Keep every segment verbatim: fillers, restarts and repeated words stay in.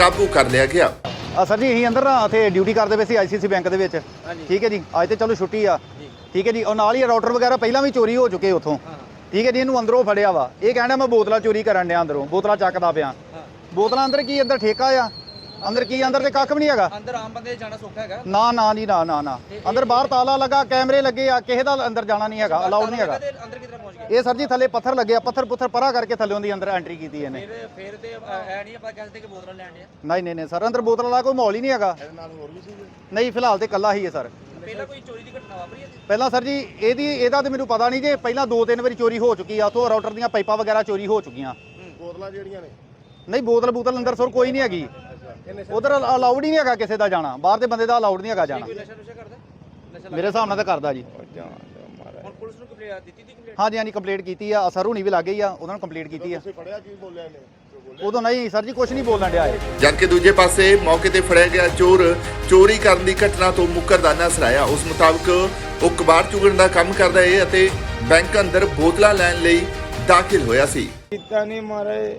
ਕਾਬੂ ਕਰ ਲਿਆ ਗਿਆ। ਆ ਸਰ ਜੀ ਅਸੀਂ ਅੰਦਰ ਨਾ ਇੱਥੇ ਡਿਊਟੀ ਕਰਦੇ ਪਏ ਸੀ ਆਈਸੀਸੀ ਬੈਂਕ ਦੇ ਵਿੱਚ। ਠੀਕ ਹੈ ਜੀ, ਅੱਜ ਤੇ ਚਲੋ ਛੁੱਟੀ ਆ। ਠੀਕ ਹੈ ਜੀ, ਉਹ ਨਾਲ ਹੀ ਰਾਊਟਰ ਵਗੈਰਾ ਪਹਿਲਾਂ ਵੀ ਚੋਰੀ ਹੋ ਚੁੱਕੇ ਉੱਥੋਂ। ਠੀਕ ਹੈ ਜੀ, ਇਹਨੂੰ ਅੰਦਰੋਂ ਫੜਿਆ ਵਾ। ਇਹ ਕਹਿੰਦਾ ਮੈਂ ਬੋਤਲਾਂ ਚੋਰੀ ਕਰਨ ਡਿਆ, ਅੰਦਰੋਂ ਬੋਤਲਾਂ ਚੱਕਦਾ ਪਿਆ। ਬੋਤਲਾਂ ਅੰਦਰ ਕੀ ਅੰਦਰ ਠੇਕਾ ਆ? ਅੰਦਰ ਕੀ ਅੰਦਰ ਤੇ ਕੱਖ ਵੀ ਨਹੀਂ ਹੈਗਾ। ਅੰਦਰ ਆਮ ਬੰਦੇ ਜਾਣਾ ਸੌਖਾ ਹੈਗਾ? ਨਾ ਨਾ ਜੀ, ਨਾ ਨਾ ਨਾ ਅੰਦਰ ਬਾਹਰ ਤਾਲਾ ਲੱਗਾ, ਕੈਮਰੇ ਲੱਗੇ ਆ, ਕਿਸੇ ਦਾ ਅੰਦਰ ਜਾਣਾ ਨਹੀਂ ਹੈਗਾ, ਅਲਾਉਡ ਨਹੀਂ ਹੈਗਾ। ਅੰਦਰ ਕਿਧਰ ਪਹੁੰਚ ਗਏ? ਇਹ ਸਰ ਜੀ ਥੱਲੇ ਪੱਥਰ ਲੱਗੇ ਆ, ਪੱਥਰ ਪੁੱਥਰ ਪਰਾ ਕਰਕੇ ਥੱਲੇ ਦੀ ਅੰਦਰ ਐਂਟਰੀ ਕੀਤੀ ਇਹਨੇ। ਫਿਰ ਫਿਰ ਤੇ ਐ ਨਹੀਂ ਆਪਾਂ ਕਹਿੰਦੇ ਕਿ ਬੋਤਲਾਂ ਲੈਣ ਡਿਆ? ਨਹੀਂ ਨਹੀਂ ਨਹੀਂ ਸਰ, ਅੰਦਰ ਬੋਤਲਾਂ ਵਾਲਾ ਕੋਈ ਮਾਹੌਲ ਹੀ ਨਹੀਂ ਹੈਗਾ। ਨਹੀਂ ਫਿਲਹਾਲ ਤੇ ਇਕੱਲਾ ਹੀ ਹੈ ਸਰ। ਪਹਿਲਾਂ ਕੋਈ ਚੋਰੀ ਦੀ ਘਟਨਾ ਵਾਪਰੀ ਹੈ? ਪਹਿਲਾਂ ਸਰ ਜੀ ਇਹਦੀ ਇਹਦਾ ਤੇ ਮੈਨੂੰ ਪਤਾ ਨਹੀਂ ਜੇ ਪਹਿਲਾਂ ਦੋ ਤਿੰਨ ਵਾਰੀ ਚੋਰੀ ਹੋ ਚੁੱਕੀ ਆ, ਉੱਥੋਂ ਰਾਊਟਰ ਦੀਆਂ ਪਾਈਪਾਂ ਵਗੈਰਾ ਚੋਰੀ ਹੋ ਚੁੱਕੀਆਂ। ਬੋਤਲਾਂ ਜਿਹੜੀਆਂ ਨੇ ਨਹੀਂ ਬੋਤਲ ਬੋਤਲ ਅੰਦਰ ਸਰ ਕੋਈ ਨਹੀਂ ਹੈਗੀ। ਉਧਰ ਅਲਾਉਡ ਹੀ ਨਹੀਂ ਹੈਗਾ ਕਿਸੇ ਦਾ ਜਾਣਾ, ਬਾਹਰ ਦੇ ਬੰਦੇ ਦਾ ਅਲਾਉਡ ਨਹੀਂ ਹੈਗਾ ਜਾਣਾ। ਕੋਈ ਨਸ਼ਾ ਨੁਸ਼ਾ ਕਰਦਾ? ਨਸ਼ਾ ਮੇਰੇ ਹਿਸਾਬ ਨਾਲ ਤਾਂ ਕਰਦਾ ਜੀ। ਹੁਣ ਪੁਲਿਸ ਨੂੰ ਕੰਪਲੇਂਟ ਦਿੱਤੀ ਦੀ ਕੰਪਲੇਂਟ? ਹਾਂਜੀ ਹਾਂਜੀ ਕੰਪਲੀਟ ਕੀਤੀ ਆ, ਸਰ ਹੁਣੀ ਵੀ ਲੱਗ ਗਈ ਆ, ਉਹਨਾਂ ਨੂੰ ਕੰਪਲੀਟ ਕੀਤੀ ਆ। ਤੁਸੀਂ ਫੜਿਆ ਕੀ ਬੋਲਿਆ ਨੇ? ਉਦੋਂ ਨਹੀਂ ਸਰ ਜੀ ਕੁਝ ਨਹੀਂ ਬੋਲਣ ਡਿਆ ਇਹ। ਜਦਕਿ ਦੂਜੇ ਪਾਸੇ ਮੌਕੇ ਤੇ ਫੜਿਆ ਗਿਆ ਚੋਰ ਚੋਰੀ ਕਰਨ ਦੀ ਘਟਨਾ ਤੋਂ ਮੁਕਰਦਾ ਨਜ਼ਰ ਆਇਆ। ਉਸ ਮੁਤਾਬਕ ਉਹ ਕਬਾੜ ਚੁਗਣ ਦਾ ਕੰਮ ਕਰਦਾ ਹੈ ਅਤੇ ਬੈਂਕ ਅੰਦਰ ਬੋਤਲਾਂ ਲੈਣ ਲਈ ਦਾਖਲ ਹੋਇਆ ਸੀ। ਕੀਤਾ ਨਹੀਂ ਮਾਰੇ,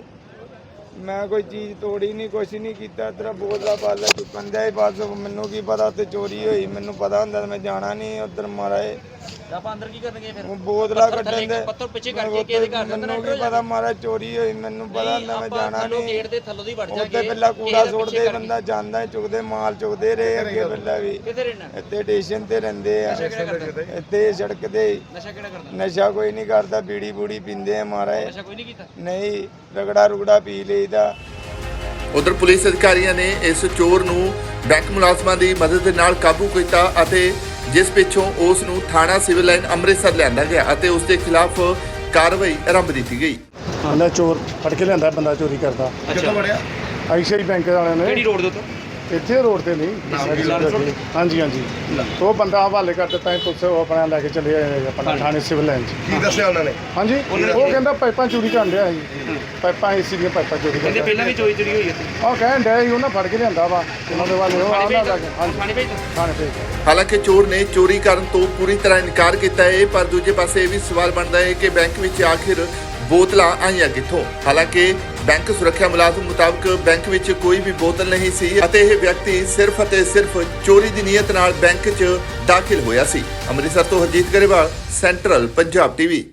ਮੈਂ ਕੋਈ ਚੀਜ਼ ਤੋੜੀ ਨਹੀਂ, ਕੁਛ ਨਹੀਂ ਕੀਤਾ। ਤੇਰਾ ਬੋਤਲਾ ਪਾਲਾ ਚੁੱਕਣ ਦੇ ਬਸ। ਮੈਨੂੰ ਕੀ ਪਤਾ ਉੱਥੇ ਚੋਰੀ ਹੋਈ, ਮੈਨੂੰ ਪਤਾ ਹੁੰਦਾ ਮੈਂ ਜਾਣਾ ਨਹੀਂ ਉੱਧਰ ਮਾਰੇ। ਆਪਾਂ ਅੰਦਰ ਕੀ ਕਰਨਗੇ ਫਿਰ? ਉਹ ਬੋਤਲਾ ਕੱਢਣ ਦੇ ਪੱਥਰ ਪਿੱਛੇ ਕਰਕੇ ਕਿਹਦੇ ਘਰ ਦੇ ਅੰਦਰ ਮੈਨੂੰ ਕੀ ਪਤਾ ਮਾਰਾ ਚੋਰੀ ਹੋਈ, ਮੈਨੂੰ ਪਤਾ ਹੁੰਦਾ ਮੈਂ ਜਾਣਾ ਨਹੀਂ। ਗੇਟ ਦੇ ਥੱਲੋਂ ਦੀ ਵੜ ਜਾਗੇ। ਉੱਥੇ ਪਹਿਲਾਂ ਕੂੜਾ ਸੁੱਟਦੇ, ਬੰਦਾ ਜਾਂਦਾ ਚੁੱਕਦੇ ਮਾਲ ਚੁੱਕਦੇ ਰਹੇ ਅੱਗੇ ਪਹਿਲਾਂ ਵੀ। ਕਿੱਥੇ ਰਹਿਣਾ? ਇੱਥੇ ਸਟੇਸ਼ਨ ਤੇ ਰਹਿੰਦੇ ਆ, ਇੱਥੇ ਸੜਕ ਤੇ। ਨਸ਼ਾ ਕਿਹੜਾ ਕਰਦਾ? ਨਸ਼ਾ ਕੋਈ ਨਹੀਂ ਕਰਦਾ, ਬੀੜੀ ਬੂੜੀ ਪੀਂਦੇ ਆ ਮਾਰੇ। ਨਸ਼ਾ ਕੋਈ ਨਹੀਂ ਕੀਤਾ? ਨਹੀਂ, ਰਗੜਾ ਰੁਗੜਾ ਪੀ ਲਈਦਾ। ਉਧਰ ਪੁਲਿਸ ਅਧਿਕਾਰੀਆਂ ਨੇ ਇਸ ਚੋਰ ਨੂੰ ਬੈਂਕ ਮੁਲਾਜ਼ਮਾਂ ਦੀ ਮਦਦ ਦੇ ਨਾਲ ਕਾਬੂ ਕੀਤਾ ਅਤੇ ਜਿਸ ਪਿੱਛੋਂ ਉਸ ਨੂੰ ਥਾਣਾ ਸਿਵਲ ਲਾਈਨ ਅੰਮ੍ਰਿਤਸਰ ਲਿਆਂਦਾ ਗਿਆ ਅਤੇ ਉਸ ਦੇ ਖਿਲਾਫ ਕਾਰਵਾਈ ਆਰੰਭ ਦਿੱਤੀ ਗਈ। ਬੰਦਾ ਚੋਰ ਫੜ ਕੇ ਲਿਆਂਦਾ, ਬੰਦਾ ਚੋਰੀ ਕਰਦਾ। ਕਿੱਥੋਂ ਵੜਿਆ? ਆਈਸੀਆਈ ਬੈਂਕ ਵਾਲਿਆਂ ਨੇ। ਕਿਹੜੀ ਰੋਡ ਦੇ ਉੱਤੇ? ਇੱਥੇ ਰੋਡ ਤੇ ਨਹੀਂ, ਹਾਂਜੀ ਹਾਂਜੀ। ਉਹ ਬੰਦਾ ਹਵਾਲੇ ਕਰ ਦਿੱਤਾ, ਪੁਲਿਸ ਉਹ ਆਪਣਾ ਲੈ ਕੇ ਚਲੇ ਆਏ ਆਪਣਾ ਥਾਣੇ ਸਿਵਲ ਲਾਈਨ 'ਚ। ਕੀ ਦੱਸਿਆ ਉਹਨਾਂ ਨੇ? ਹਾਂਜੀ, ਉਹ ਕਹਿੰਦਾ ਪਾਈਪਾਂ ਚੋਰੀ ਕਰਨ ਡਿਆ ਸੀ, ਪਾਈਪਾਂ ਏਸੀ ਦੀਆਂ ਪਾਈਪਾਂ ਚੋਰੀ ਕਹਿੰਦੇ ਕਰਦਾ। ਪਹਿਲਾਂ ਵੀ ਚੋਰੀ ਚੋਰੀ ਹੋਈ ਇੱਥੇ? ਉਹ ਕਹਿਣ ਡਿਆ ਸੀ ਉਹਨਾਂ ਫੜ ਕੇ ਲਿਆਂਦਾ ਵਾ ਉਹਨਾਂ ਦੇ ਵਾਲੇ ਉਹ ਆਉਂਦਾ ਲੱਗ ਹਾਂਜੀ ਥਾਣੇ ਭੇਜ ਦਿੱਤਾ? ਥਾਣੇ ਭੇਜ। ਹਾਲਾਂਕਿ ਚੋਰ ਨੇ ਚੋਰੀ ਕਰਨ ਤੋਂ ਪੂਰੀ ਤਰ੍ਹਾਂ ਇਨਕਾਰ ਕੀਤਾ ਹੈ, ਪਰ ਦੂਜੇ ਪਾਸੇ ਇਹ ਵੀ ਸਵਾਲ ਬਣਦਾ ਹੈ ਕਿ ਬੈਂਕ ਵਿੱਚ ਆਖਿਰ ਬੋਤਲਾਂ ਆਈਆਂ ਕਿੱਥੋਂ। ਹਾਲਾਂਕਿ ਬੈਂਕ ਸੁਰੱਖਿਆ ਮੁਲਾਜ਼ਮ ਮੁਤਾਬਕ ਬੈਂਕ ਵਿੱਚ ਕੋਈ ਵੀ ਬੋਤਲ ਨਹੀਂ ਸੀ ਅਤੇ ਇਹ ਵਿਅਕਤੀ ਸਿਰਫ ਅਤੇ ਸਿਰਫ ਚੋਰੀ ਦੀ ਨੀਅਤ ਨਾਲ ਬੈਂਕ 'ਚ ਦਾਖਲ ਹੋਇਆ ਸੀ। ਅੰਮ੍ਰਿਤਸਰ ਤੋਂ ਹਰਜੀਤ ਗਰੇਵਾਲ, ਸੈਂਟਰਲ ਪੰਜਾਬ ਟੀਵੀ।